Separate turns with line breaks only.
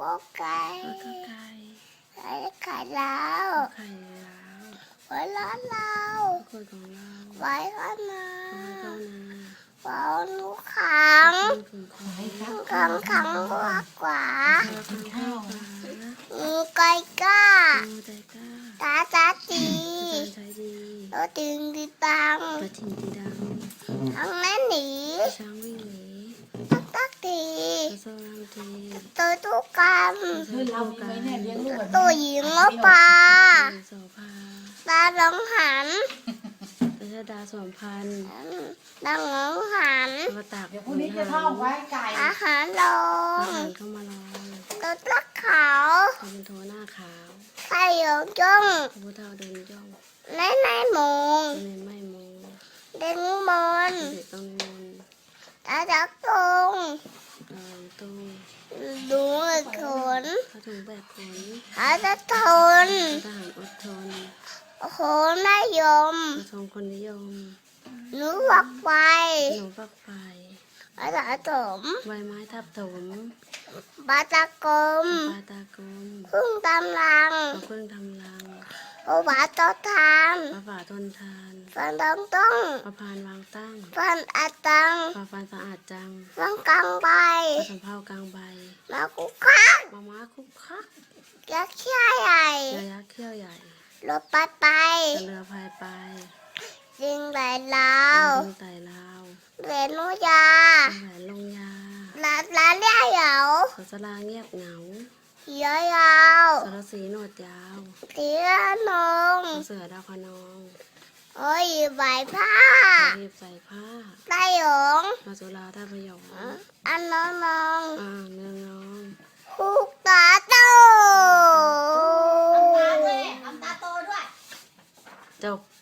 ก็ไก่ไก่ไข่ดาวไว้ร้านเราไว้ข้างหน้าไว้ลูกขังขังกว่างูไก่ก้าตาตีตัวตึงดีตังทั้งนั้นหนีตักตีตัวทุกกรรมตัวหญิงงอปลาตาหลงหัน
ดา2,000
ดังหลงหัน
เดี๋ยวพรุ่งนี้จะท่องไว้ไก่
อาหารลง
เข้ามาลอง
ตัวตักขาว
เป็นโทหน้าขาว
ไข่หยงจ้อง
พระพุทธเจ้าเดินย่อง
ในมง
ไม่มง
เด้งมน
เด็กต้องมน
ตาจักตรง
ตู้
ดูขน
ผ้าถุงแบบขน
หาจะทน
ทหารอดทน
โอ้โหนายม
ทรงคนนิยม
หนูวักไป
หนูฟักไฟ
อาจารย์ถม
ใบไม้ทับถม
บาตากรม
ปลาตากลม
พึ่งตำลัง
เครื่องทำรัง
โอบาตอทาน
ปลาฝ่าทนทาน
ฟันต้อง
ปลาพานวางตั้ง
ฟันอาตัง
ปลาฟันสะอาดจัง
ฟันกลางใบ
ปลาสำเภากลางใบ
มาคุกคัก
ม้าคุกคัก
ยักษ์ขี้ใหญ่
เรือยักษ์เขี้ยวใหญ่
รถปัดไป
เรือพายไป
จิงไหลลาว
เป็นไต่ลาว
เรนุยา
แหวนลงยา
ลาเลี้ยเหยา
สลาเงียบเหงา
เหียยาว
สรสีหนวดยาว
เตียนง
เสือดาวคนอง
โอ้ยใบผ้า
เรียบใส่ผ้า
ไต้หยง
มาสุราท่าพยอง
อันน้อง
เมืองน้อง
คุกตาโต
ทำตาโตด้วย
จบ